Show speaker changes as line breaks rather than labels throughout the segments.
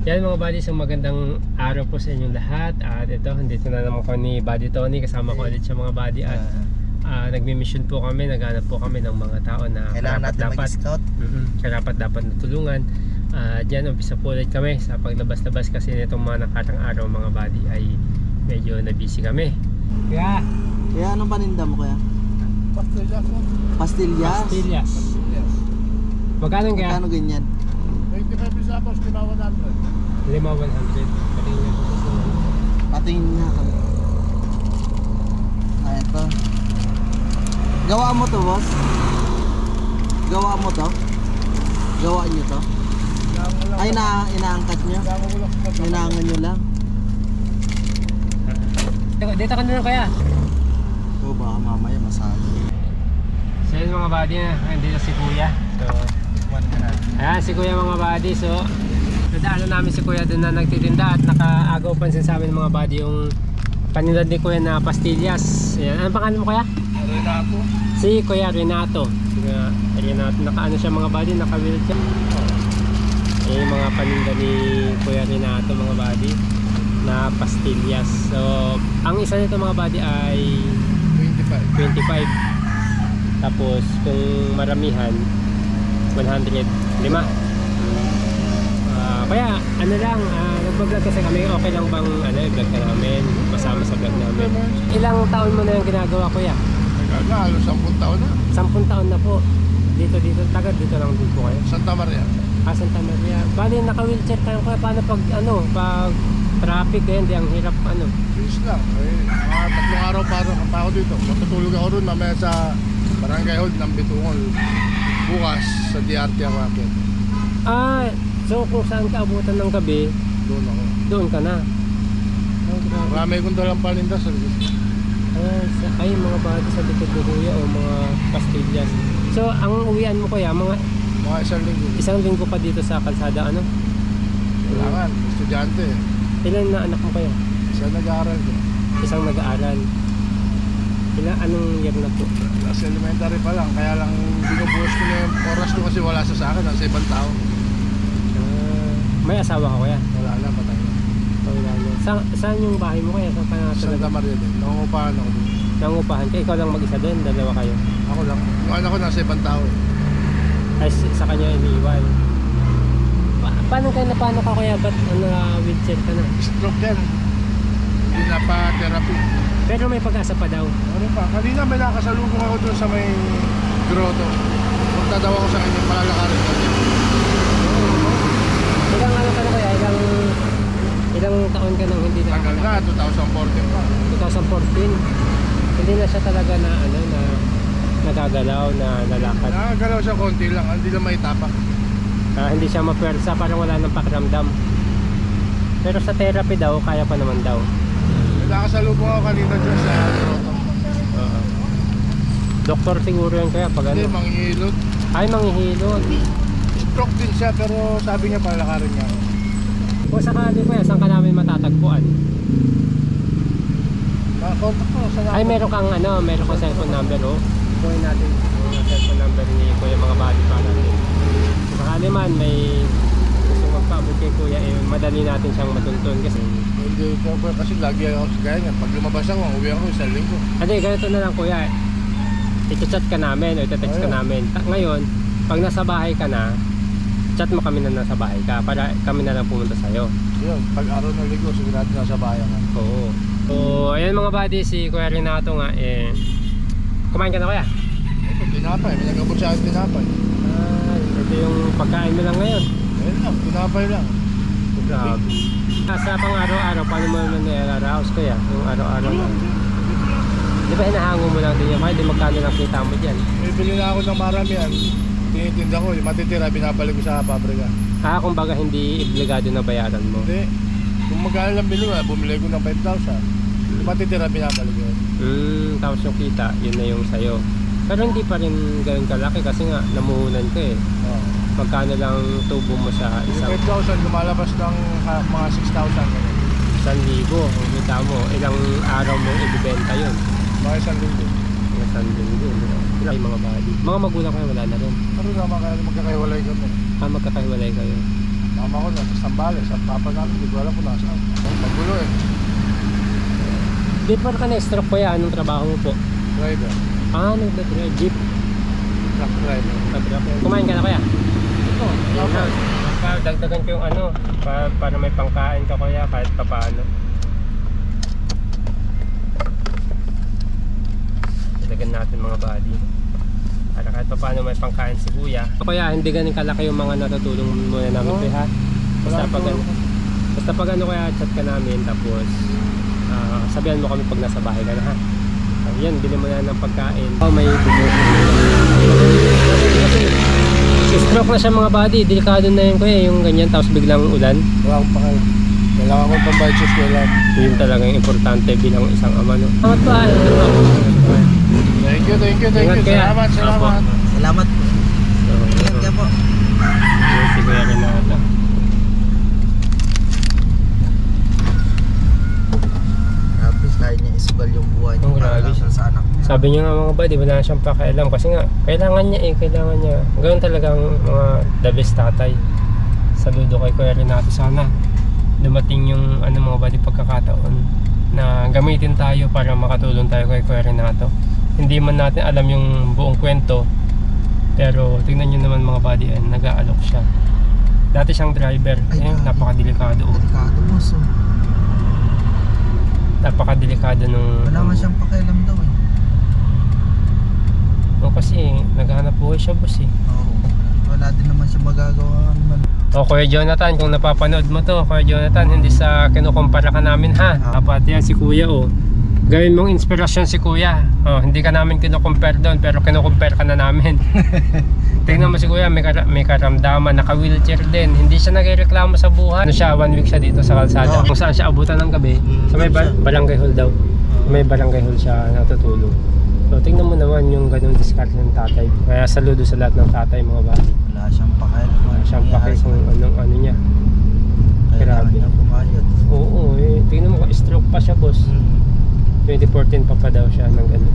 Yan mga buddy, isang magandang araw po sa inyong lahat. At ito, dito na naman ko ni Buddy Tony. Kasama ko ulit siya mga buddy. At nagmi-mission po kami, naghanap po kami ng mga tao na
kailangan natin mag-scout.
Karapat dapat natulungan. Diyan, umpisa po ulit kami sa paglabas-labas kasi nitong mga nakarang araw mga buddy ay medyo na-busy kami.
Kaya anong paninda mo kaya?
Pastillas po.
Pastillas?
Pastillas.
Yes.
Magkano kaya?
Magkano ganyan?
25 pisapos, 5,100.
5,100.
Patingin nga kami. Ito. Gawa mo to, boss? Gawa mo to? Gawa nyo to? Ay, inaangkat nyo? Inaangan nyo lang?
Dito ka na lang kaya.
O baka mamaya masali.
So yun mga buddy, nandito si Kuya. So, ayan si Kuya mga buddy. So nadaanan namin si Kuya doon na nagtitinda at nakaagaw pansin sa amin mga buddy yung paninda ni Kuya na pastillas. Ayan. Anong pangalan mo Kuya?
Renato.
Si Kuya Renato. Renato, nakaano siya mga buddy, naka-wheelchair. Ayan yung mga paninda ni Kuya Renato mga buddy na pastillas. So ang isa nito mga buddy ay 25. Tapos kung maramihan 105. Kaya ano lang, nag-vlog kasi kami, okay lang bang i-vlog ka namin, masama sa vlog namin. Ilang taon mo na yung ginagawa Kuya?
Halos 10 taon na.
10 taon na po. Dito tagad dito lang din po kayo.
Santa Maria.
Santa Maria. Bali naka-wheelchair kayo Kuya, paano pag traffic hindi ang hirap
Bis lang. Mga 3 araw para kanta ako dito. Matutulog ako ron mamaya sa Barangay Hall ng Bitungol. Bukas sa DRT ako akit.
So kung saan ka abutan ng gabi,
Doon ako.
doon ka na. Grabe.
Marami kong dalang paninda sa likod.
Ay mga body sa likod mo Kuya o mga pastillas. So ang uwian mo Kuya, mga
Mga isang linggo.
1 linggo pa dito sa kalsada
Kailangan. Estudyante.
Ilan na anak mo Kuya?
Isa nag-aaral ko.
Isang nag-aaral. Anong year na po?
Last elementary pa lang. Kaya lang binubuhos ko na yung oras ko kasi wala sa akin. Nasa ibang tao.
May asawa ka Kuya?
Wala na. Patay na.
Wala na. Saan yung bahay mo Kuya? Saan ka na
Santa Maria din. Nangungupahan ako din.
nangupahan ka? Ikaw lang mag-isa doon? Dalawa kayo?
Ako lang. Yung anak ko nasa ibang tao.
Ay sa kanya iniiwan. Paano ka Kuya? Ba't wheelchair ka na?
Stroke yan. Hindi na pa therapy.
Pero may pag-asa pa daw.
Ano pa? Kanina may nakasalubong ako doon sa may grotto. Punta daw ako sa kanya, malalakarin ko.
Ilang ka na Kuya? Ilang taon ka nang hindi na?
Tagal na, 2014 pa.
2014. Hindi na siya talaga na nagagalaw, na lalakad.
Nakagalaw siya konti lang, hindi lang may tapak.
Hindi siya mapwersa, parang wala nang pakiramdam. Pero sa therapy daw, kaya pa naman daw.
Nakasalubong ako kanina dyan sa grotto.
Doktor siguro yan Kaya pag
Hindi, manghihilot.
Ay, manghihilot.
Stroke din siya, pero sabi niya palalakarin niya ako.
Kung sakali Kuya, saan ka namin matatagpuan?
Nakakontak ko sa
Ay, meron kang cellphone number Kunin natin yung cellphone number ni Kuya mga buddy para kung sakali man may gusto magpaabot kay Kuya, madali natin siyang matuntun kasi
Hindi ko kasi lagi ako sa kanya. Pag lumabas ako, uwi ako isang linggo.
ganito na lang Kuya, i-chat ka namin o i-text ka namin. Ngayon, pag nasa bahay ka na, chat mo kami na nasa bahay ka para kami na lang pumunta sa'yo.
Yun, pag araw ng linggo, sigurado nasa bayan ka.
Oo. So, ayan mga buddy, si Kuya Renato nga, kumain ka na Kuya?
Ito, tinapay. May nagabot sa akin tinapay.
Ito yung pagkain mo lang ngayon.
Ayun lang, tinapay lang.
Grabe. Sa pang araw-araw, paano mo naman nilaraos Kuya? Yung araw-araw na. Di ba hinahango mo lang din yan? Kaya di magkano lang kita mo dyan?
May bili na ako ng maramihan. Tinitinda ko, yung matitira, binabalik ko sa pabrika.
Kumbaga hindi obligado na bayaran mo.
Hindi. Kung magkano lang bili mo, bumili ko ng 5,000. Yung matitira, binabalik ko.
Tapos yung kita, yun na yung sayo. Pero hindi pa rin ganun kalaki kasi nga namuhunan ka
Oh.
Magkano lang tubo mo sa
Yung
isang
5,000, lumalabas ng mga 6,000.
1,000? Kung kita mo, ilang araw mo ibibenta yun?
Mga 1,000.
Mga 1,000. Ilang mga body? Mga magulang kayo wala na rin?
Pero naman kaya magkakaiwalay kami.
Magkakahiwalay kayo.
Mama ko nasa Sambales. Ang papa namin, hindi ko alam kung nasaan. Magulo eh.
Before ka na-stroke kuya, anong trabaho mo po?
Driver.
Nagdadrive jeep.
Truck driver.
Kumain ka na kuya?
Ito.
Yun na. Dagdagan ko yung para may pangkain ka kuya kahit papaano. Dagdagan natin mga body. Para kahit papaano may pangkain si kuya. Kuya, hindi ganun kalaki yung mga natutulong muna namin kuya ha. Basta pag ano kaya chat ka namin tapos sabihan mo kami pag nasa bahay ka na ha. Yan, bili mo na ng pagkain. May stroke na siya mga body, delikado na yun kuya, yung ganyan tapos biglang ulan.
Wala akong pakal. Kailangan ko pambayad sa eskwelahan.
Yun talagang importante bilang isang ama no. Salamat pa.
Thank you.
Ingat kaya.
Salamat.
Salamat. Ingat ka po.
Yun si Kuya Renato.
Grabe, kaya niya isugal yung buhay niya
Oh,
para
grabe.
lang sa anak niya.
Sabi niya nga mga buddy, wala na siyang pakialam kasi nga kailangan niya. Ganoon talagang mga the best tatay. Saludo kay Kuya Renato, sana dumating yung mga buddy pagkakataon na gamitin tayo para makatulong tayo kay Kuya Renato. Hindi man natin alam yung buong kwento, pero tingnan niyo naman mga buddy, nag-aalok siya. Dati siyang driver, napakadelikado.
Delikado mo, so.
Napakadelikado nung
Wala nga siyang pakialam daw eh.
kasi naghahanap buhay siya boss eh.
Oo. Wala din naman siya magagawa naman.
Kuya Jonathan, kung napapanood mo to, Kuya Jonathan, hindi sa kinukumpara ka namin ha. Dapat yan si Kuya Gawin mong inspirasyon si Kuya. Hindi ka namin kinukumpare doon, pero kinukumpare ka na namin. Tingnan mo si Kuya, may karamdaman, naka-wheelchair din. Hindi siya nagreklamo sa buhay. 1 week siya dito sa kalsada. Kung saan siya abutan ng gabi, sa may barangay hall daw. Sa may barangay hall siya natutulog. So tingnan mo naman yung ganung diskarte ng tatay. Kaya saludo sa lahat ng tatay mga bali.
Wala siyang pakialam.
Wala siyang pake kung ano niya.
Kailangan
Grabe.
niya pumayot.
Oo, tingnan mo, stroke pa siya boss. 2014 pa daw siya ng ano.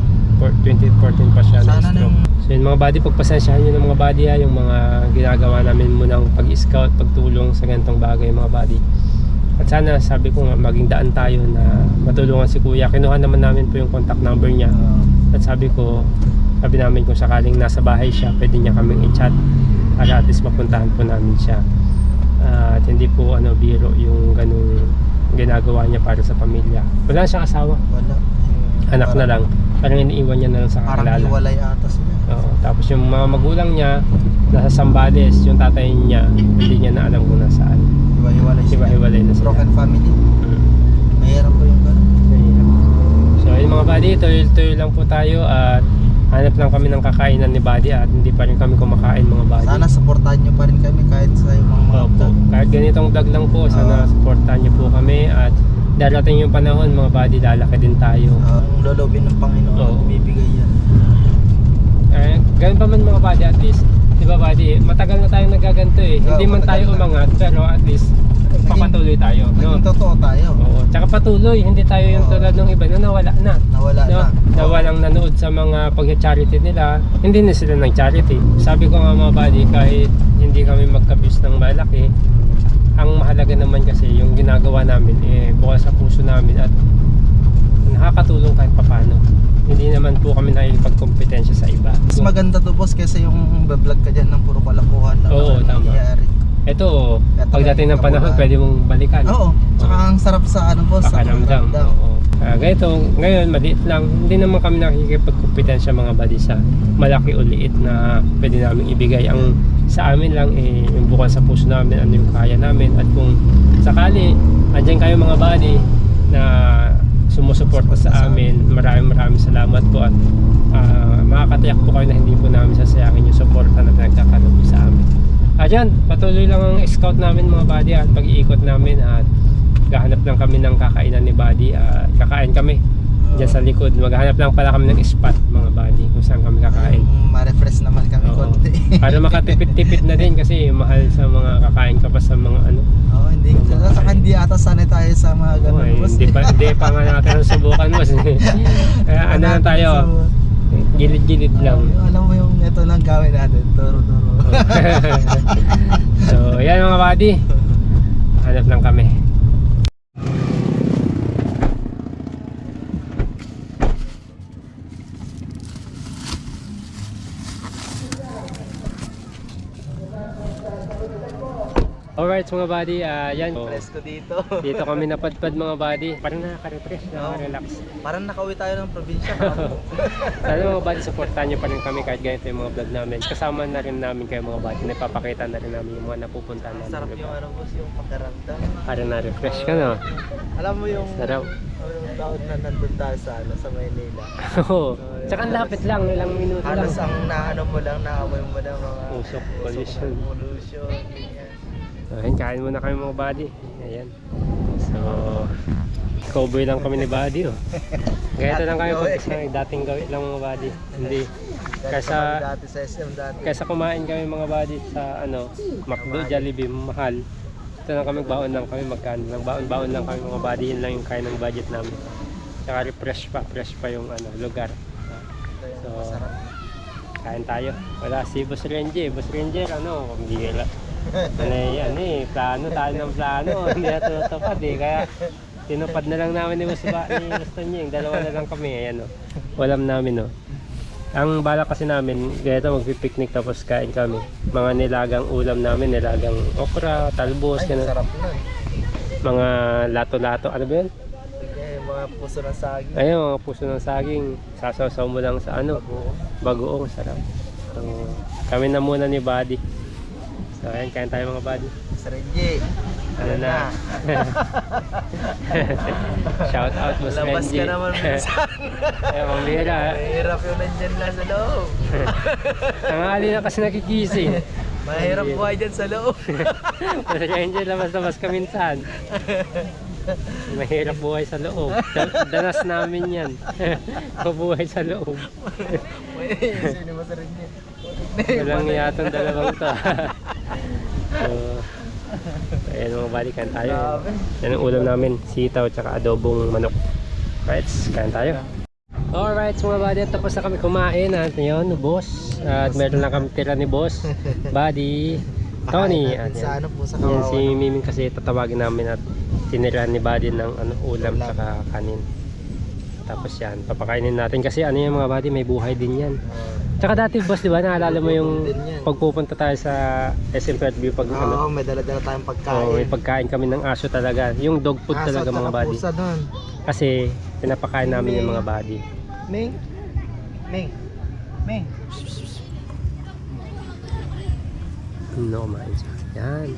2014 pa siya ng
Sana
stroke.
nung
So yun mga buddy, pagpasensyahan nyo ng mga buddy yung mga ginagawa namin munang pag-scout, pagtulong sa ganitong bagay mga buddy. At sana sabi ko nga maging daan tayo na matulungan si Kuya. Kinuha naman namin po yung contact number niya. At sabi namin kung sakaling nasa bahay siya, pwede niya kaming i-chat para at least mapuntahan po namin siya. At hindi po biro yung ganung ginagawa niya para sa pamilya. Wala siyang asawa.
wala.
Anak na lang. Parang iniiwan niya na lang sa
Parang
kakilala.
iwalay ata sila.
Oo. Tapos yung mga magulang niya nasa Sambales, yung tatay niya hindi niya na alam kung nasaan.
Iwa-hiwalay sila.
Iba-hiwalay na sila.
Broken family.
Mm.
Mahirap po yung gano'n.
So ayun mga buddy, tuloy lang po tayo at hanap lang kami ng kakainan ni buddy at hindi pa rin kami kumakain mga buddy.
Sana supportahan nyo pa rin kami kahit sa mga
Opo.
vlog.
Kahit ganitong vlog lang po, sana supportahan niyo po kami at darating yung panahon mga buddy, lalaki din tayo.
Ang lolobin ng Panginoon,
Oo.
bibigay yan.
Ganun pa man mga buddy, at least, di ba buddy, matagal na tayong nagaganto eh. Hindi man
matagal
tayo
na.
umangat, pero at least papatuloy tayo. No?
Naging totoo tayo.
Oo. Tsaka patuloy, hindi tayo yung
Oo.
tulad ng iba na nawala na.
Nawala
No?
na.
Na walang nanood sa mga pag-charity nila, hindi na sila ng charity. Sabi ko nga mga buddy, kahit hindi kami magka-views ng malaki, ang mahalaga naman kasi yung ginagawa namin bukas sa puso namin at nakakatulong kahit papano. Hindi naman po kami nakikipagkompetensya sa iba.
Mas maganda to boss kaysa yung vlog ka dyan ng puro kalakuhan na
Oo, tama.
nangyayari.
Ito,
Ito
pagdating ng
yung
panahon,
kabuuan.
pwede mong balikan.
Oo. Tsaka ang sarap sa boss. sa
Pakiramdam.
pakiramdam.
Oo. Ganito, ngayon maliit lang. Hindi naman kami nakikipagkompetensya mga buddy sa malaki o liit na pwede namin ibigay. Ang sa amin lang yung bukal sa puso namin, ano yung kaya namin. At kung sakali, andyan kayo mga buddy na sumusuporta sa amin, maraming salamat po at makakatiyak po kayo na hindi po namin sasayangin yung suporta na pinagkakaroon sa amin. Ayan, patuloy lang ang scout namin mga buddy at pag-iikot namin at gahanap lang kami ng kakainan ni buddy at kakain kami dyan sa likod. Maghanap lang pala kami ng spot mga buddy kung saan kami kakain.
Ma-refresh naman kami
Oo.
konti.
Para makatipid-tipid na din kasi mahal sa mga kakain ka pa sa mga ano.
Oo, hindi. Saka hindi ata sanay tayo sa mga ganun boss.
Hindi pa nga natin subukan boss. Kaya ano lang tayo. Gilid-gilid lang.
Alam mo yung ito lang gawin natin, turo-turo.
So, yan mga buddy. Hanap lang kami. Alright mga buddy, yan.
Presko dito.
Dito kami napadpad mga buddy. Parang nakaka-refresh, nakaka-relax.
Parang nakauwi tayo ng probinsya.
Sana mga buddy, supportahan nyo pa rin kami kahit ganito yung mga vlog namin. Kasama na rin namin kayo mga buddy. Napapakita na rin namin yung mga napupuntahan namin.
Sarap yung ano boss, yung pakiramdam.
Parang na-refresh ka no?
Alam mo yung
Sarap.
yung taon na nandun tayo sa, ano, sa Maynila.
Oo. Tsaka ang lapit lang, ilang minuto lang.
Halos ang naano mo lang, naamoy mo lang mga
Usok, pollution.
pollution, ganyan.
So, ayun, kain muna kami mga buddy. Ayan. So, cowboy lang kami ni buddy oh. Ganito lang kami pag dating gawin lang mga buddy. Hindi. Kaysa
Dati sa SM dati.
Kaysa kumain kami mga buddy sa ano, McDo, Jollibee, mahal. Ito lang kami, baon lang kami, magkano lang. Baon lang kami mga buddy, yun lang yung kain ng budget namin. Tsaka fresh pa yung ano, lugar. So, kain tayo. Wala si Boss Ranger. Boss Ranger, ano, pambihira. Ano eh, plano tayo ng plano. Hindi natutupad eh. Kaya tinupad na lang namin ni Boss Tonyeng. Dalawa na lang kami. Ayan o. Walam namin o. Ang bala kasi namin, ganito magpipiknik tapos kain kami. Mga nilagang ulam namin, nilagang okra, talbos,
Ay,
gano'n.
sarap nun.
Mga lato-lato, ano ba yun?
Okay, mga puso ng saging.
Ayun, mga puso ng saging. Sasaw-saw mo lang sa ano, bagoong, sarap. So, kami na muna ni Buddy. So, ayan, kain tayo mga buddy.
Sa Renji.
Ano na? Shout out mo sa
Labas
Renji.
ka naman minsan.
Ayun, mamira.
Mahirap yung nandyan lang sa loob.
Tanghali na kasi nakigising.
Mahirap buhay dyan sa loob.
Mas Renji, labas-labas ka minsan. Mahirap buhay sa loob. Danas namin yan. Mabuhay sa loob.
Sino mo sa Renji?
Walang yatong dalawang to. So, ayan mga balikan tayo. Yan ang ulam namin, sitaw tsaka adobong manok. Right, kain tayo. Alright mga buddy, tapos na kami kumain at yun, boss. At meron lang kami tira ni boss, Buddy, Tony. At
Sa
yan,
ano po sa
yan
kawawa.
si Miming kasi tatawagin namin at tinirahan ni Buddy ng ano, ulam tsaka kanin. Tapos yan, papakainin natin kasi ano yung mga buddy, may buhay din yan. Tsaka dati boss, di ba, naalala mo yung pagpupunta tayo sa SM Fairview pag ano?
Oo, may dala-dala tayong pagkain.
Oo, may pagkain kami ng aso talaga. Yung dog food talaga mga buddy.
Pusa doon.
Kasi pinapakain namin yung mga buddy.
Ming. Ming. Ming.
No, kumain siya. Yan.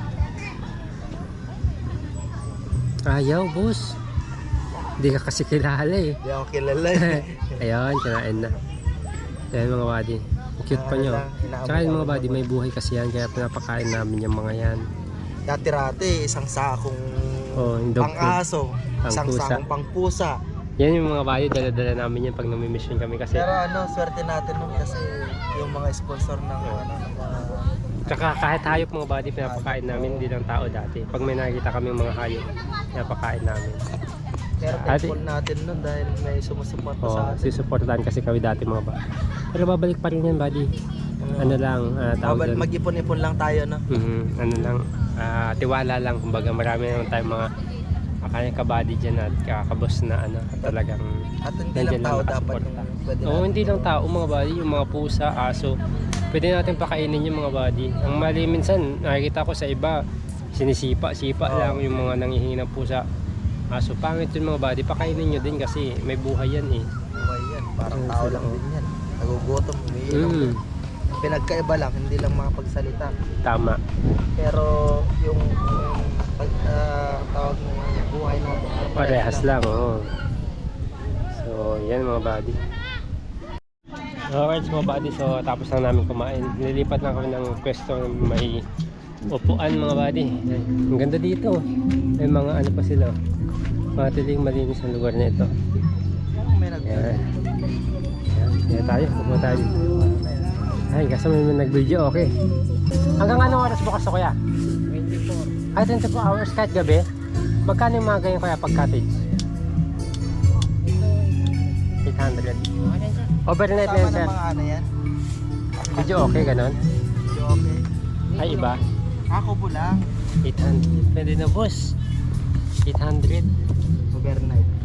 Ayaw, boss. Hindi ka kasi kilala eh.
Hindi ako kilala eh.
Ayun, kinain na. Ayan mga buddy. Ang cute pa nyo. Tsaka yung mga buddy, may buhay kasi yan. Kaya pinapakain namin yung mga yan.
Dati-rati, isang sakong
Oh, yung dog food.
pang-aso. Isang
Pang-pusa.
sakong pang-pusa.
Yan yung mga buddy, dala-dala namin yan pag nami-mission kami kasi.
Pero ano, swerte natin nun kasi yung mga sponsor ng ano, ng mga...
Tsaka kahit hayop mga buddy, pinapakain namin, hindi lang tao dati. Pag may nakikita kami mga hayop, pinapakain namin.
Pero
Ate-
thankful natin nun dahil may sumusuporta sa
Oh,
atin.
susuportahan kasi kami dati mga buddy. Pero babalik pa rin yan buddy. Ano lang, tawag doon.
Mag-ipon-ipon lang tayo, no?
Ano lang, tiwala lang. Kumbaga marami naman tayong mga kanyang kabady dyan at kakabos na ano, talagang
At hindi
nandyan
lang tao dapat
nakasuporta.
yung pwede
Oo, hindi lang tao mga buddy, yung mga pusa, aso. Pwede natin pakainin yung mga buddy. Ang mali minsan, nakikita ko sa iba, sinisipa-sipa lang yung mga nangihingi ng pusa. Aso, pangit yung mga buddy, pakainin nyo din kasi may buhay yan eh.
buhay yan. Parang
Oo,
tao
sila,
lang
oh.
din yan. Nagugutom, umiinom. Pinagkaiba lang, hindi lang makapagsalita.
Tama.
Pero yung tawag ng buhay mo,
Parehas lang, oo. So, yan mga buddy. Alright mga buddy, so tapos lang namin kumain. Nilipat lang kami ng pwesto na may upuan mga buddy. Ay, ang ganda dito. May mga ano pa sila. Mga tiling malinis ang lugar na ito.
may nag
Yan. Yan tayo, pupunta tayo. Ay, kasi may nag-video, okay. Hanggang anong oras bukas to kuya? 24. Ay, 24 hours kahit gabi? Magkano yung mga ganyan kuya pag cottage? 800 800. Overnight na
Kasama
yan, sir.
ng mga ano yan.
Medyo okay, ganon.
Medyo okay.
Ay, iba.
Ako po lang.
800. Pwede na, boss. 800.
Overnight.